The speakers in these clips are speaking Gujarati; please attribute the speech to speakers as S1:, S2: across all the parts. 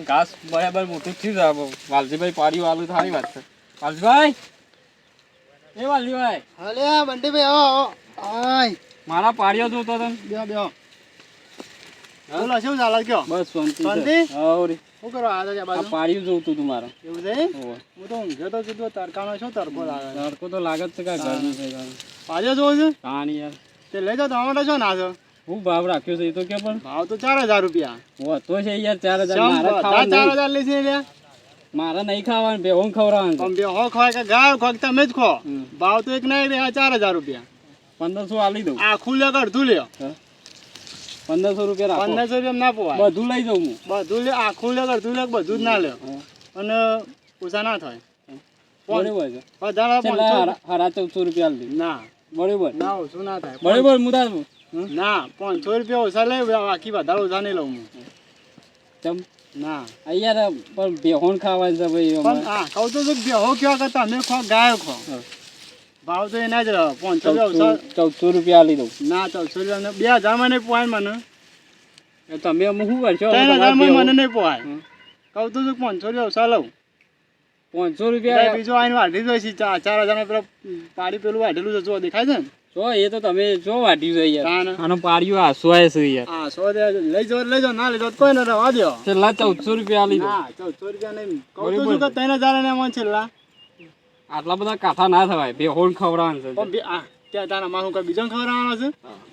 S1: ઘાસ બરાબર મોટું થયું છે. વાલજીભાઈ પાડ્યું આલું સારી વાત છે. વાલજીભાઈ એ વાલજીભાઈ
S2: હાલે બંટીભાઈ આવો આય
S1: મારા પાડ્યો તું તો તને
S2: બેહો બોલો શું ચાલે કયો
S1: બસ શાંતિ
S2: શાંતિ?
S1: છે. હાવ રે.
S2: શું કરો આ
S1: આ
S2: બાજુ
S1: પાડ્યું જોતું તું મારે.
S2: એવું છે
S1: હોવે.
S2: હું તો ઊંઘ્યો તો કીધું તડકાનો શું તડકો લાગે
S1: તડકો તો લાગે જ છે કાંઈ ગરમી છે કાંઈ.
S2: આજે જોઉં છું
S1: કાની યાર
S2: તે લઈ જાઓ ટમાટર છો ના છો
S1: હું ભાવ રાખ્યો છે એ તો કે પણ
S2: ભાવ તો 4000 રૂપિયા
S1: હો તો છે યાર 4000
S2: શેમ
S1: મારે
S2: બધા
S1: ખાવાનું
S2: 4000 લે છે લ્યા
S1: મારે નહીં ખાવાનું બેહોન ખવડાવવાનું છે.
S2: આમ બે હો ખવાય કે ગાય ખો કે તમે જ ખો
S1: હમ.
S2: ભાવ તો એક નહીં રે 4000 રૂપિયા
S1: 1500 આલી દઉં.
S2: આ ખુલ્લે કે અડધું લ્યો
S1: 1500 રૂપિયા રાખો.
S2: 1500 રૂપિયા ના પોવાય
S1: બધું લઈ જાઉં હું.
S2: બધું લે આ ખુલ્લે કે અડધું લે કે બધું જ ના લ્યો
S1: હા.
S2: અને ઓછા ના થાય
S1: બરોબર છે.
S2: વધારે
S1: છેલ્લા
S2: 500
S1: હારા 1400 રૂપિયા આલી દઉં.
S2: ના
S1: બરોબર
S2: ના ઓછું ના થાય
S1: બરોબર હું તારું
S2: ના 500 રૂપિયા ઓછા લઈ બાકી વધારે ઓછા નહીં લઉં હું
S1: ચમ
S2: ના
S1: આ યાર પણ બેહોન ખાવાનું છે ભાઈ
S2: પણ
S1: અમારે.
S2: હા કહું તો છું કે બેહો કેવા કરતા અમે ખો ગાય ખો
S1: હા.
S2: ભાવ તો એના જ રહ્યો 500 રૂપિયા ઓછા
S1: 1400 રૂપિયા આલી દઉં.
S2: ના 1400 રૂપિયા 2000 માં નહીં પોવાય મને
S1: એ તમે અમે શું કરશો?
S2: 3000 માં મને નહીં પોવાય
S1: હમ.
S2: કહું તો છું કે 500 રૂપિયા ઓછા લઉં
S1: 500 રૂપિયા
S2: બીજો આઈને વાઢી જોઈ છે 4000 માં પેલો પાડી પેલું વાઢેલું છે જો દેખાય છે ને
S1: જો એ તો તમે જો વાટ્યું છે યાર.
S2: તાને.
S1: આનો પાડ્યું આસવાય છે યાર.
S2: હા 100 દે લઈ જાઓ ના લઈ જાઓ તો કોઈ ના રવા દો
S1: છેલ્લા 1400 રૂપિયા આલી દઉં.
S2: ના 1400 રૂપિયા નહીં કહું તો છું કે 3000 ને એમાં છેલ્લા
S1: આટલા બધા કાઠા ના થવાય બેહોન ખવડાવવાનું છે.
S2: પણ ત્યાં તારા મારું કઈ બીજો ખવડાવવાનો છે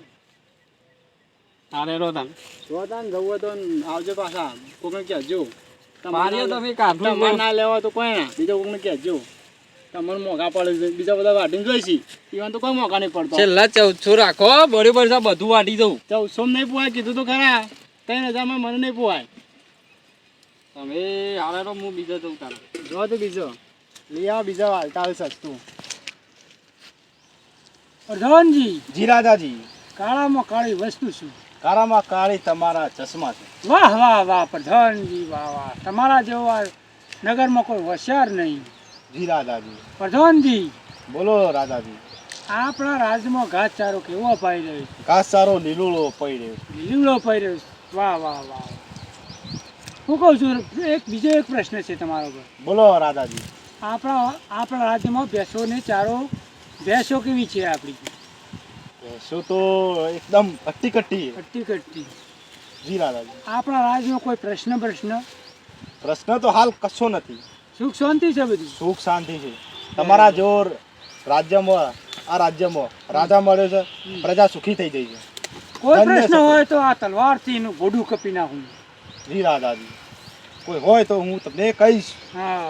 S1: તારે રો તાન
S2: જો તાન જવું હોય તો આવજો પાછા કોકને કહેજો
S1: પાડ્યો તમે કાઠું
S2: તમારે ના લેવા તો કોઈ ના બીજા કોકને કહેજો તમને મોંઘા પડે છે બીજા બધા વાટીને જોઈશી ઈવન તો કોઈ મોંઘા નહીં પડતો
S1: છેલ્લા 1400 રાખો બરોબર છે બધું વાટી દઉં.
S2: 1400 નહીં પોવાય કીધું તો ખરા 3000 માં મને નહીં પોવાય
S1: તમે હારે તો હું બીજા દઉં તારે.
S2: જો તો બીજો લઈ આવો બીજા વાલતા સસ્તું પ્રધાનજી
S3: જી રાજાજી
S2: કાળામાં કાળી વસ્તુ શું
S3: કાળામાં કાળી તમારા ચશ્મા છે.
S2: વાહ વાહ વાહ પ્રધાનજી વાહ વાહ તમારા જેવા નગરમાં કોઈ હોશિયાર નહીં
S3: જી રાજાજી
S2: પ્રધાનજી
S3: બોલો રાજાજી.
S2: આપણા રાજ્યમાં ઘાસચારો કેવો અપાઈ રહ્યો છે
S3: ઘાસચારો લીલુડો પડી રહ્યો છે.
S2: લીમડો પાઈ રહ્યો છે વાહ વાહ વાહ હું કહું છું બીજો એક પ્રશ્ન છે તમારો પર
S3: બોલો રાજાજી.
S2: આપણા રાજ્યમાં ભેંસો કેવી છે આપણી
S3: શું તો એકદમ કટ્ટી કટ્ટી.
S2: કટ્ટી
S3: જી રાજાજી.
S2: આપણા રાજ્યમાં કોઈ પ્રશ્ન
S3: પ્રશ્ન તો હાલ કશો નથી.
S2: સુખ શાંતિ છે બધી
S3: સુખ શાંતિ છે. તમારા જો રાજ્યમાં આ રાજ્યમાં રાજા મળ્યો છે પ્રજા સુખી થઈ ગઈ છે.
S2: કોઈ
S3: ધન્ય
S2: પ્રશ્ન
S3: છે.
S2: હોય તો આ તલવારથી એનું ગોડું કાપી નાખું
S3: જી રાજાજી. કોઈ હોય તો હું તમને કહીશ.
S2: હા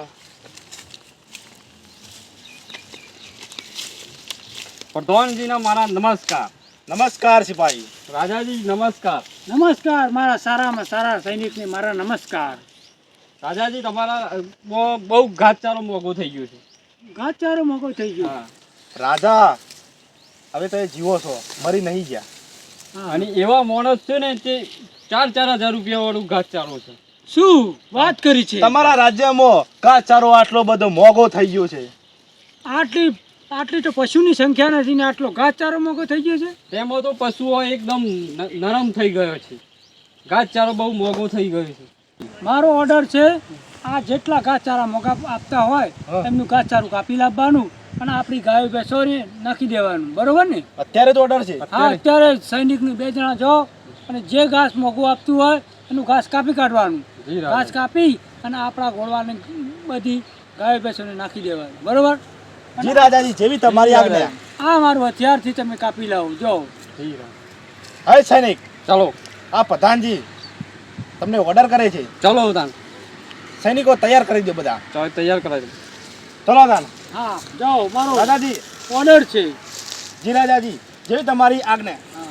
S1: પ્રધાનજીના મારા નમસ્કાર.
S3: નમસ્કાર સિપાહી.
S1: રાજાજી નમસ્કાર.
S2: નમસ્કાર મારા સારામાં સારા સૈનિકને મારા નમસ્કાર
S1: રાજાજી તમારા બહુ ઘાસચારો મોંઘો થઈ ગયો છે.
S2: ઘાસચારો મોંઘો થઈ ગયો
S1: હા.
S3: રાજા હવે તો જીવો છો મરી નહીં ગયા.
S2: હા.
S1: અને એવા માણસ છે ને તે 4,000 રૂપિયા વાળું ઘાસચારો છે.
S2: શું વાત કરી છે
S3: તમારા રાજ્યમાં ઘાસચારો આટલો બધો મોંઘો થઈ ગયો છે.
S2: આટલી તો પશુની સંખ્યા નથી ને આટલો ઘાસચારો મોંઘો થઈ ગયો છે
S1: તેમાં તો પશુઓ એકદમ નરમ થઈ ગયો છે. ઘાસચારો બહુ મોંઘો થઈ ગયો છે.
S2: મારો ઓર્ડર છે આ જેટલા ઘાસચારા મોંઘા આપતા હોય એમનું ઘાસચારું કાપી લાવવાનું અને આપણી ગાયો ભેંસોને નાખી દેવાનું બરોબર ને
S3: અત્યારે તો ઓર્ડર છે.
S2: હા અત્યારે સૈનિકને 2 જણા જાઓ અને જે ઘાસ મોંઘું આપતું હોય એનું ઘાસ કાપી કાઢવાનું
S1: જી રાજા.
S2: ઘાસ કાપી અને આપણા ઘોડવાને બધી ગાયો ભેંસોને નાખી દેવાનું બરોબર
S3: જી રાજાજી જેવી તમારી આજ્ઞા.
S2: આ મારું હથિયારથી તમે કાપી લાવો જો
S1: જી રાજા.
S3: હે સૈનિક
S1: ચલો
S3: આ પ્રધાનજી તમને ઓર્ડર કરે છે.
S1: ચલો તાન.
S3: સૈનિકો તૈયાર કરી દો બધા.
S1: ચાલો તૈયાર કરાવી દો.
S3: ચલો દાન.
S2: હા જાઓ મારો
S3: રાજાજી.
S2: ઓર્ડર છે
S3: જી રાજાજી જેવી તમારી આજ્ઞા.
S2: હા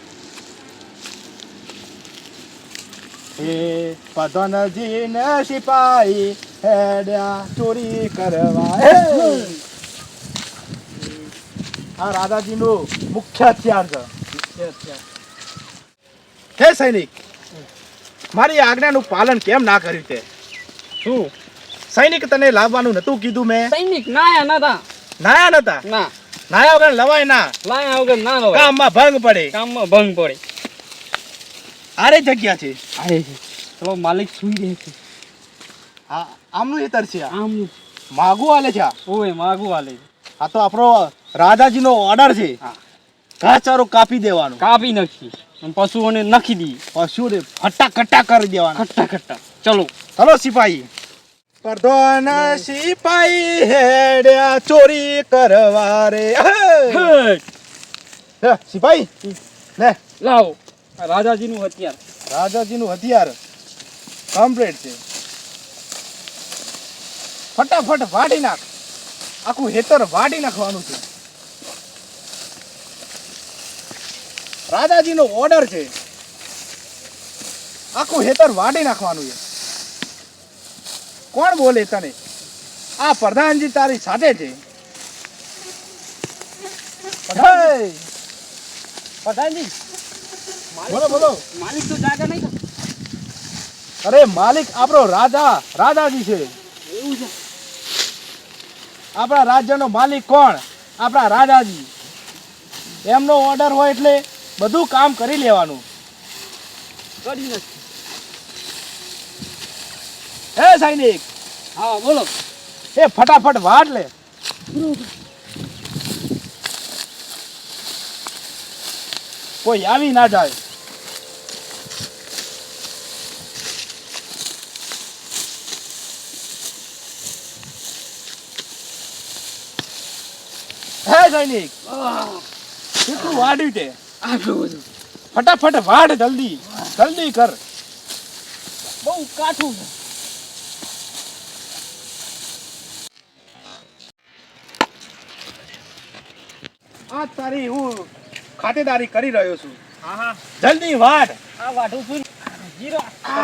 S3: હે પ્રધાનજી ને સિપાહી હેડ્યા ચોરી કરવા. આ રાજાજીનું મુખ્ય હથિયાર છે. હે સૈનિક મારી આજ્ઞાનું પાલન કેમ ના કર્યું તે?
S1: શું
S3: સૈનિક તને લાવવાનું નતું કીધું મેં?
S1: સૈનિક નાયા નતા.
S3: નાયા નતા?
S1: ના
S3: નાયા વગર લવાય ના.
S1: લાયા વગર ના લવાય.
S3: કામમાં ભંગ પડે.
S1: કામમાં ભંગ પડે.
S3: આરે જગ્યા છે.
S1: અરે ચલો માલિક સુઈ રહે છે.
S3: હા આમનું હેતર છે આ.
S1: આમ
S3: માગું હાલે છે આ.
S1: ઓય માગું હાલે
S3: આ તો આપણો રાજાજીનો ઓર્ડર છે.
S1: હા.
S3: ઘાસચારો કાપી દેવાનો,
S1: કાપી નાખી અને પશુઓને નાખી દી
S3: પશુને ફટાકટા કરી દેવાના.
S1: ખટ્ટા ખટ્ટા ચલો
S3: ચલો સિપાહી. પ્રધાન સિપાહી હેડ્યા ચોરી કરવા રે. હે, સિપાહી લે
S1: લાવો આ રાજાજીનું હથિયાર
S3: રાજાજીનું હથિયાર કમ્પ્લીટ છે. ફટાફટ વાઢી નાખ, આખું હેતર વાઢી નાખવાનું છે. રાજાજીનો ઓર્ડર છે, આખું હેતર વાઢી નાખવાનું છે. કોણ બોલે તને? આ પ્રધાનજી તારી સાથે છે. પ્રધાન,
S1: પ્રધાનજી
S3: બોલો બોલો.
S1: માલિક તો જાગા નહીં
S3: અરે માલિક આપણો રાજાજી છે.
S1: એવું છે
S3: આપણા રાજ્યનો માલિક કોણ? આપણા રાજાજી. એમનો ઓર્ડર હોય એટલે બધું કામ કરી લેવાનું.
S1: કરી નથી
S3: હે સૈનિક,
S1: હા બોલો
S3: એ ફટાફટ વાટ લે. કોઈ આવી ના જાય. હે સૈનિક, કેટલું વાડ્યું તે?
S1: આટલું બધું
S3: ફટાફટ વાડ, જલ્દી જલ્દી કર.
S1: બહુ કાઠું છે
S3: આ તારી હું ખાતેદારી કરી રહ્યો છું.
S1: હા હા
S3: જલ્દી વાડ.
S1: આ વાઢું છું જીરો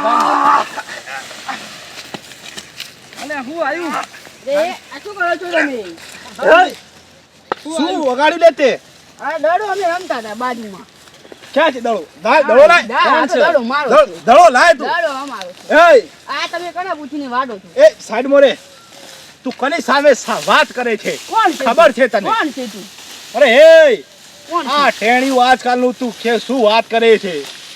S1: અને હું આવ્યું
S4: આ શું કરો છો તમે?
S3: હે? શું વગાડ્યું લે તે?
S4: આ દડો અમે રમતા હતા બાજુમાં.
S3: ક્યાં છે દડો? દડો લાય.
S4: આ તો દડો મારો છે.
S3: દડો લાય તું.
S4: દડો અમારો છે.
S3: એય,
S4: આ તમે કોને પૂછીને વાડો છો?
S3: એ સાઈડ મોરે. તું કોની સામે વાત કરે છે?
S4: કોણ છે?
S3: ખબર છે તને?
S4: કોણ છે તું?
S3: અરે હે,
S4: કોણ છે?
S3: આ ટેણીયું આજકાલનું તું કે શું વાત કરે છે?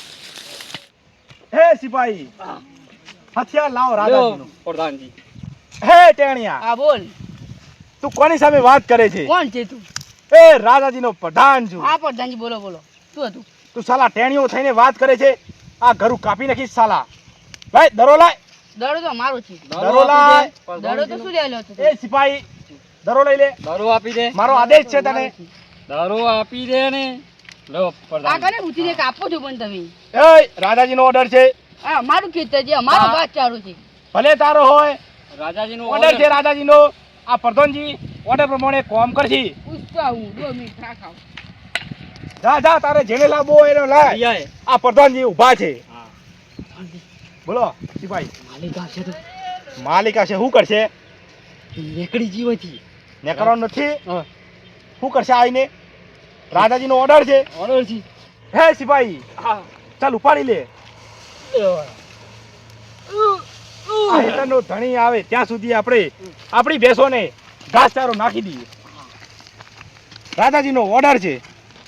S3: હે સિપાહી, હથિયાર લાવો રાજાજીનું.
S1: પ્રધાનજી
S3: હે ટેણિયા,
S4: હા બોલ.
S3: તું કોની સામે વાત કરે છે?
S4: કોણ છે તું?
S3: એ રાજાજીનો પ્રધાન છું.
S4: હા પ્રધાનજી બોલો બોલો. શું હતું?
S3: તું સાલા ટેણીઓ થઈને વાત કરે છે? આ ઘરું કાપી નાખીશ સાલા. લાય દરો લાય.
S4: દડો તો મારો છે.
S3: દરો લાય.
S4: દડો તો શું લેલો હતો?
S3: એ સિપાહી, દરો લઈ લે.
S1: દારૂ આપી દે
S3: મારો આદેશ છે તને.
S1: દારૂ આપી દે ને લો
S4: આ
S1: પ્રધાન
S4: કને પૂછીને કાપો છો પણ તમે?
S3: એ રાજાજીનો ઓર્ડર છે.
S4: હા મારું ખેતર છે, અમારો
S3: હા.
S4: ઘાસ ચારો છે.
S3: ભલે તારો હોય,
S1: રાજાજીનો
S3: ઓર્ડર છે રાજાજીનો. આ પ્રધાનજી ઓર્ડર પ્રમાણે કામ કરશી.
S4: પૂછતો હું 2 મિનિટ રાખાવ.
S3: જા જા, તારે જેને લાવવો હોય એને લાય.
S1: રિયાએ
S3: આ પ્રધાનજી ઊભા છે.
S1: હા
S3: બોલો સિપાહી.
S1: માલિક આવશે તો
S3: માલિક હશે, શું કરશે?
S1: રેકડી જીવથી
S3: ને કરવાનું નથી.
S1: હા
S3: શું કરશે આવીને? રાજાજીનો ઓર્ડર છે.
S1: ઓર્ડર છે
S3: હે સિપાહી,
S1: હા
S3: ચાલ ઉપાડી લે. આ હેતરનો ધણી આવે ત્યાં સુધી આપણે આપણી ભેંસોને ઘાસચારો નાખી દઈએ. રાજાજીનો ઓર્ડર છે.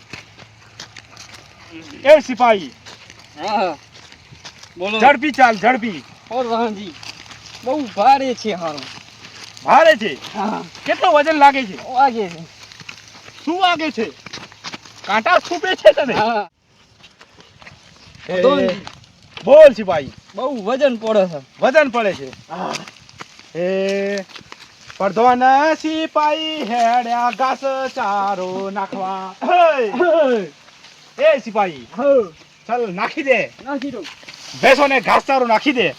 S3: એ સિપાહી,
S1: હા બોલો
S3: ઝડપી ચાલ, ઝડપી.
S1: પ્રધાનજી બહુ ભારે છે હારું
S3: ભારે છે.
S1: હા
S3: કેટલો વજન લાગે છે?
S1: વાગે છે
S3: શું વાગે છે? કાંટા ખૂપે છે તને?
S1: હા
S3: એ,
S1: પ્રધાનજી
S3: બોલ સિપાહી.
S1: બહુ વજન પડે છે
S3: વજન પડે છે. એ પ્રધાન સિપાહી હેડ્યા ઘાસ ચારો નાખવા. એ સિપાહી, ચાલ નાખી દે.
S1: નાખી દો
S3: ભેંસોને ઘાસચારો નાખી દે.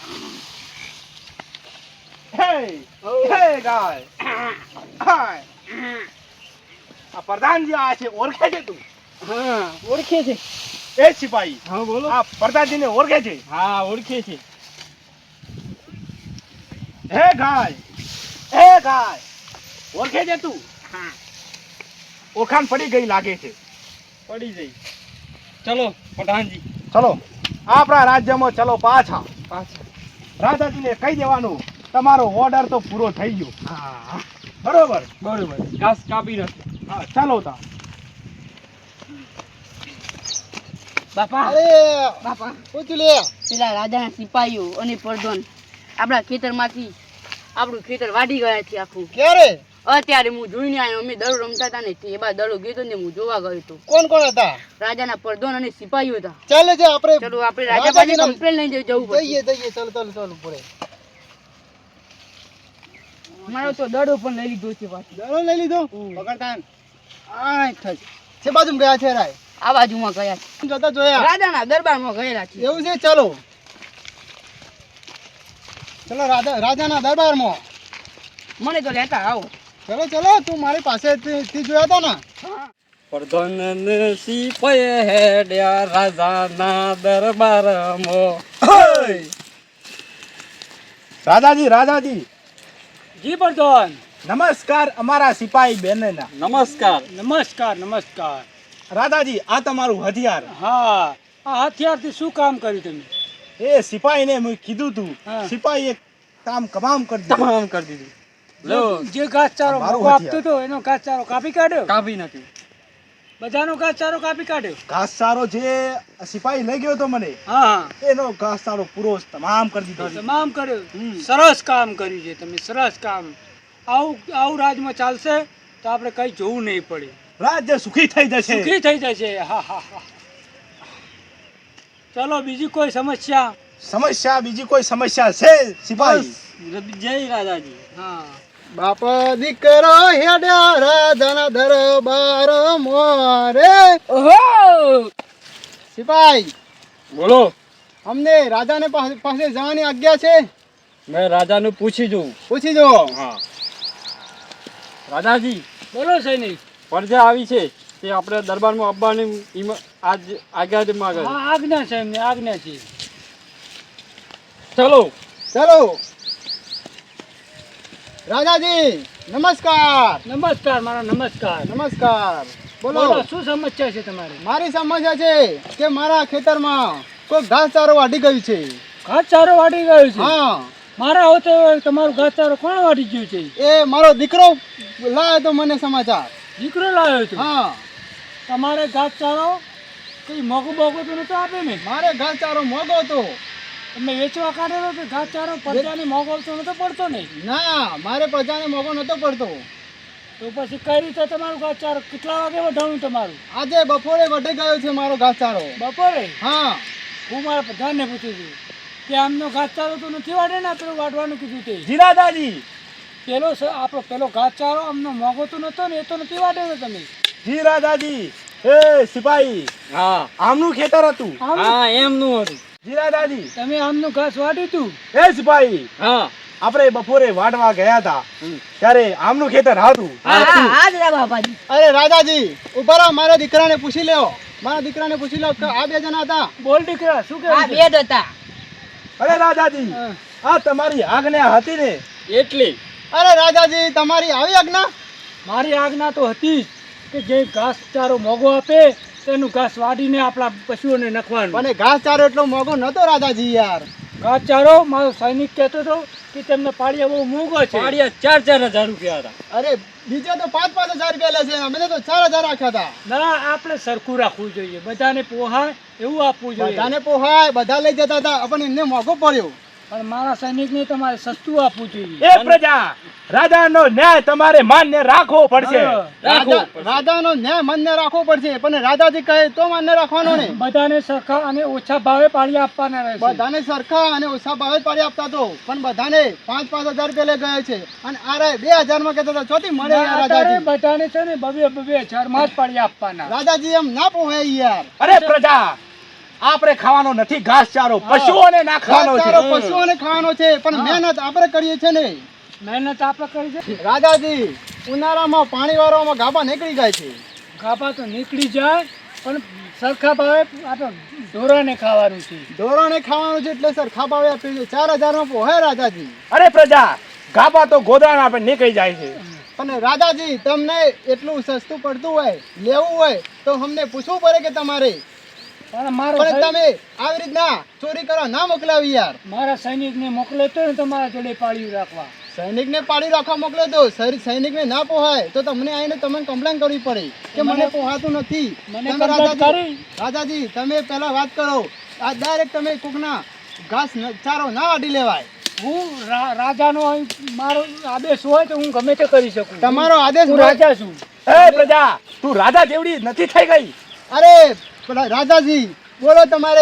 S3: હે હે ગાય. હાય. આ પ્રધાનજી આ છે, ઓળખે છે તું?
S1: હા ઓળખે છે
S3: એ સિપાહી,
S1: હા બોલો
S3: આ પ્રધાનજીને ઓળખે છે?
S1: હા ઓળખે છે
S3: હે ગાય, હે ગાય, ઓળખે છે તું?
S1: હા
S3: ઓળખાણ પડી ગઈ લાગે છે.
S1: પડી જઈ ચલો પ્રધાનજી
S3: ચલો આપણા રાજ્યમાં ચલો પાછા.
S1: પાછા
S3: રાજાજીને કહી દેવાનું તમારો ઓર્ડર તો પૂરો થઈ ગયો.
S1: હા
S3: બરોબર.
S1: બરોબર ઘાસ કાપી નાખે
S3: હા ચાલો તા.
S4: બાપા
S3: અરે
S4: બાપા
S3: પૂછી લે.
S4: પેલા રાજાના સિપાહીઓ અને પ્રધાન આપણા ખેતરમાંથી આપણું ખેતર વાઢી ગયા છે આખું.
S3: ક્યારે?
S4: અત્યારે હું જોઈને આવ્યો. અમે દડો રમતા હતા ને તે બાદ દડો ગયો હતો ને હું જોવા ગયો હતો.
S3: કોણ કોણ હતા?
S4: રાજાના પ્રધાન અને સિપાહીઓ હતા.
S3: ચાલે છે આપણે
S4: ચલો આપણે રાજા પાસે કમ્પ્લેન લઈને જવું પડશે.
S3: જઈએ ચાલો પડે.
S4: મારો તો દડો પણ લઈ લીધો છે પાછો.
S3: દડો લઈ લીધો? પકડતાન આ થજ છે બાજુ ગયા છે રાય.
S4: આ બાજુમાં ગયા છે.
S3: જતા જોયા
S4: રાજાના દરબારમાં ગયેલા છે.
S3: એવું છે. ચલો રાજાના દરબારમાં.
S4: મને તો લેતા આવો.
S3: ચલો તું મારી પાસે થી જોયા હતા ને.
S1: પ્રધાન સિપાઈ હેડ્યા રાજાના દરબારમાં.
S3: રાજાજી
S2: જી પ્રધાન.
S3: નમસ્કાર અમારા સિપાહી બેનના.
S2: નમસ્કાર.
S3: રાજાજી આ તમારું હથિયાર.
S2: હા, આ હથિયારથી શું કામ કર્યું તમે?
S3: એ સિપાહીને મેં કીધું તું,
S2: હા.
S3: સિપાહીએ કામ તમામ કરી દીધું.
S1: તમામ કરી દીધું. લો
S2: જે ઘાસચારો
S3: મારું
S2: મોકો આપતો
S3: હથિયાર.
S2: હતો એનો ઘાસચારો કાપી કાઢ્યો.
S1: કાપી નાખ્યું.
S2: બધાનો ઘાસચારો કાપી કાઢ્યો.
S3: ઘાસચારો જે સિપાહી લઈ ગયો તો મને,
S2: હા,
S3: એનો ઘાસચારો પૂરો તમામ કરી દીધો.
S2: તમામ કર્યો. સરસ કામ કર્યું છે તમે, સરસ કામ. આવું રાજમાં ચાલશે તો આપણે કઈ જોવું નહીં પડે.
S3: રાજ્ય સુખી થઈ જશે.
S2: સુખી થઈ જશે. હા. ચલો, બીજી કોઈ સમસ્યા?
S3: બીજી કોઈ સમસ્યા છે સિપાહી?
S1: જય રાજાજી.
S2: હા,
S3: બાપ દીકરો હેડ્યા રાજાના દરબાર મોરે.
S4: ઓહો!
S3: સિપાહી
S1: બોલો.
S3: અમને રાજાને પાસે જવાની આજ્ઞા છે.
S1: મેં રાજાનું પૂછી જોઉં.
S3: પૂછી જો.
S1: હા રાજાજી,
S2: બોલો સૈનિક.
S1: પ્રજા આવી છે તે આપણે દરબારમાં આવવાની આજ આજ્ઞા માંગે છે.
S2: હા, આજ્ઞા છે એમને, આજ્ઞા છે.
S1: ચલો.
S3: રાજાજી નમસ્કાર.
S2: મારા નમસ્કાર.
S3: બોલો
S2: શું સમસ્યા છે તમારી?
S3: મારી સમસ્યા છે કે મારા ખેતરમાં કોઈ ઘાસચારો વાઢી ગયું છે.
S2: ઘાસચારો વાટી ગયો છે?
S3: હા.
S2: મારા હોતે તમારું ઘાસચારો કોણ વાટી ગયું છે?
S3: એ મારો દીકરો લાવ્યો તો મને સમાચાર.
S2: દીકરો લાવ્યો છે?
S3: હા.
S2: તમારે ઘાસચારો કઈ મોગો તો નતો આપે ને?
S3: મારે ઘાસચારો મોગો હતો.
S2: તમે વેચવા કાઢેલો કે ઘાસચારો પ્રજાને મોગો તો નતો પડતો ને?
S3: ના, મારે પ્રજાને મોગો નતો પડતો.
S2: તો પછી કઈ રીતે તમારું ઘાસચારો કેટલા વાગે વઢાણું તમારું?
S3: આજે બપોરે વઢી ગયો છે મારો ઘાસચારો.
S2: બપોરે?
S3: હા.
S2: હું મારા પ્રધાનને પૂછ્યું હતું કે આમનો ઘાસચારો તો નથી વાઢે ને, પેલું વાઢવાનું કીધું તે.
S3: જીરાદાજી.
S2: પેલો ઘાસચારો અમને મોગો તો નતો ને, એ તો નથી વાઢેલો તમે?
S3: જીરાદાજી. એ સિપાહી.
S1: હા
S3: આમનું ખેતર હતું.
S1: હા એમનું હતું.
S3: જીરાદાજી.
S2: તમે આમનું ઘાસ વાઢ્યું તું?
S3: એ સિપાહી,
S1: હા
S3: આપણે બપોરે વાઢવા ગયા હતા ત્યારે આમનું ખેતર હતું.
S4: હા દાદા બાપાજી.
S3: અરે રાજાજી ઉભા રહો, મારા દીકરાને પૂછી લ્યો. કે આ બે જણા હતા.
S2: બોલ દીકરા, શું
S4: આ
S2: કહે?
S4: બે જ હતા.
S3: અરે રાજાજી, આ તમારી આજ્ઞા હતી ને?
S1: એટલી.
S3: અરે રાજાજી, તમારી આવી આજ્ઞા?
S2: મારી આજ્ઞા તો હતી જ કે જે ઘાસચારો મોગો આપે તેનું ઘાસ વાઢીને આપણા પશુઓને નાખવાનું.
S3: પણ ઘાસચારો એટલો મોંઘો નતો રાજાજી યાર.
S2: ઘાસચારો મારો સૈનિક કહેતો હતો કે તેમને પાળિયા બહુ મોંઘો છે.
S1: પાડિયા 4,000 રૂપિયા હતા.
S3: અરે બીજા તો 5,000 રૂપિયા લે છે, અમે તો 4,000 રાખ્યા હતા.
S2: ના, આપણે સરખું રાખવું જોઈએ, બધાને પોહાય એવું આપવું જોઈએ.
S3: બધાને પોહાય, બધા લઈ જતા હતા, પણ એમને મોંઘો પડ્યો.
S2: પણ મારા સૈનિકને તમારે સસ્તું આપવું જોઈએ.
S3: એ પ્રજા, રાજાનો ન્યાય તમારે માન્ય રાખવો પડશે.
S2: હા,
S3: રાજાનો ન્યાય માન્ય રાખવો પડશે, પણ રાજાજી કહે તો માન્ય રાખવાનો ને.
S2: બધાને સરખા અને ઓછા ભાવે પાળિયા આપવાના રહેશે.
S3: બધાને સરખા અને ઓછા ભાવે પાડી આપતા તો, પણ બધાને 5,000 રૂપિયા લઈ ગયા છે, અને આ 2,000 માં કહેતા હતા. ચોથી મળે યાર
S2: અત્યારે
S3: રાજાજી.
S2: બધાને છે ને 2,000 માં જ પાળિયા આપવાના.
S3: રાજાજી એમ ના પોહાય યાર. અરે પ્રજા, આપણે ખાવાનો નથી ઘાસચારો, પશુઓને નાખવાનો છે. પશુઓને ખાવાનો છે, પણ મહેનત આપણે કરીએ છે ને.
S2: મહેનત આપણે કરી છે.
S3: રાજાજી, ઉનાળામાં પાણી વાળવામાં ગાભા નીકળી જાય છે.
S2: ગાભા તો નીકળી જાય, પણ સરખા ભાવે આપણે ઢોરાને ખાવાનું છે.
S3: ઢોરોને ખાવાનું છે એટલે સરખા ભાવે આપીએ છે. 4,000 માં પોહાય રાજાજી. અરે પ્રજા, ગાભા તો ગોદરાના આપણે નીકળી જાય છે. પણ રાજાજી, તમને એટલું સસ્તું પડતું હોય, લેવું હોય તો અમને પૂછવું પડે કે તમારે.
S2: પણ
S3: પણ તમે આવી રીતના ચોરી કરવા ના મોકલાવી યાર.
S2: મારા સૈનિકને મોકલે તો ને તમારા જોડે પાળિયું રાખવા.
S3: સૈનિકને પાડી રાખવા મોકલે તો સૈનિકને ના પોહાય તો તમને આવીને તમને કમ્પ્લેન કરવી પડે કે મને પોહાતું નથી.
S2: મને
S3: તમે
S2: complaint કરી?
S3: રાજાજી તમે પહેલા વાત કરો. આ ડાયરેક્ટ તમે કોકના ઘાસ ચારો ના વાટી લેવાય.
S2: રાજાનો અહીં મારો આદેશ હોય તો હું ગમે તે કરી શકું.
S3: તમારો આદેશ
S2: હું
S3: હોય.
S2: રાજા છું.
S5: એ પ્રજા તું રાજા જેવડી નથી થઈ ગઈ.
S3: અરે પેલા રાજાજી બોલો તમારે.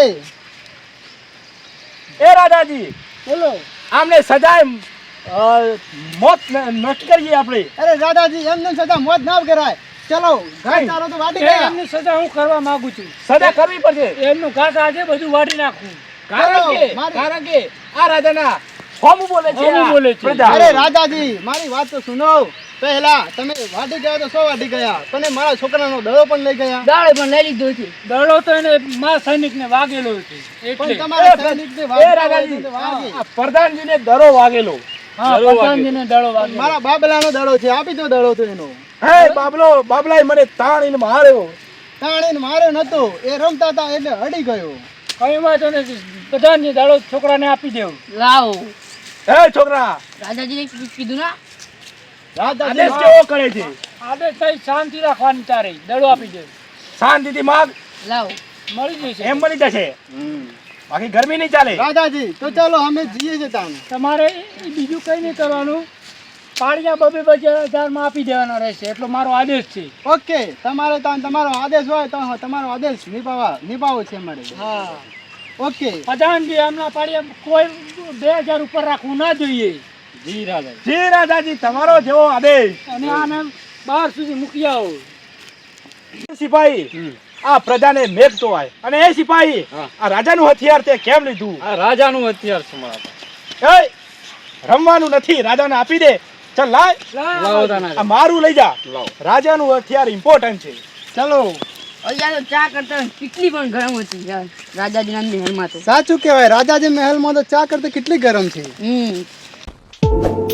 S5: એ રાજાજી
S2: બોલો.
S5: આમને સજાએ મોત નક્કી કરીએ આપણે.
S3: અરે રાજાજી એમને સજા મોત ના કરાય. ચલો ઘાસચારો તો વાટી ગયા.
S2: એમની સજા હું કરવા માંગુ છું.
S5: સજા કરવી પડશે.
S2: એમનું ઘાસ આજે બધું વાટી નાખું.
S5: કારણ કે આ રાજાના હોમું બોલે છે.
S2: હોમું
S5: આ
S2: બોલે છે.
S5: પ્રજા.
S3: અરે રાજાજી મારી વાત તો સુનો. પહેલા તમે વાટી ગયા તો 100 વાટી ગયા, પણ મારા છોકરાનો દડો પણ લઈ ગયા.
S4: દાડે પણ લઈ લીધો છે.
S2: દડો તો એને મારા સૈનિકને વાગેલો છે
S3: પણ
S2: એટલે.
S3: તમારા
S5: એ
S3: સૈનિકને
S5: એ
S3: વાગતા હોય
S5: રાજાજી
S3: તો વાગે.
S5: આ પ્રધાનજીને દરો વાગેલો.
S2: હા,
S1: દડો
S2: પ્રધાનજીને દડો વાગેલો.
S3: મારા બાબલાનો દડો છે, આપી દો દડો તો એનો.
S5: હે બાબલાએ મને તાણીને માર્યો.
S3: તાણીને માર્યો નતો, એ રમતા હતા એટલે અડી ગયો.
S2: કઈ વાંધો નથી. પ્રધાનજી દડો છોકરાને આપી દેવું.
S4: લાવો
S5: હે છોકરા
S4: રાજાજીને કીધું ના
S3: રાજાજી
S5: આદેશ કેવો કરે છે?
S2: આદેશ થઈ શાંતિ રાખવાની તારે દડો આપી દે.
S5: શાંતિથી માગ,
S4: લાવો
S2: મળી જશે.
S5: એમ મળી જશે. બાકી ગરમી નહીં ચાલે.
S3: રાજાજી તો ચાલો અમે જઈએ છીએ તાણ.
S2: તમારે બીજું કઈ નહીં કરવાનું. પાળિયા 2,000 આપી દેવાના રહેશે એટલો મારો આદેશ છે.
S3: ઓકે, તમારે તાણ તમારો આદેશ હોય તો તમારો આદેશ નિભાવો છે અમારે.
S2: હા,
S3: ઓકે
S2: પ્રધાનજી હમણાં પાળિયા કોઈ 2,000 ઉપર રાખવું ના જોઈએ.
S1: જી રાજા.
S5: જી રાજાજી તમારો જેવો આદેશ.
S2: અને આને બહાર સુધી મૂકી આવો.
S5: સિપાહી આ પ્રજાને મેપતો હોય અને એ સિપાહી
S1: હા.
S5: આ રાજાનું હથિયાર તે કેમ લીધું?
S1: આ રાજાનું હથિયાર છે મારા પાસે.
S5: એ રમવાનું નથી, રાજાને આપી દે. ચાલ લાય,
S1: લાવો તાના.
S5: આ મારું લઈ જા.
S1: લાવો.
S5: રાજાનું હથિયાર ઇમ્પોર્ટન્ટ છે.
S3: ચલો.
S4: અહીંયા તો ચા કરતા કેટલી પણ ગરમ હતી યાર રાજાજીના મહેલમાં તો.
S3: સાચું કહેવાય, રાજાજી મહેલમાં તો ચા કરતા કેટલી ગરમ છે.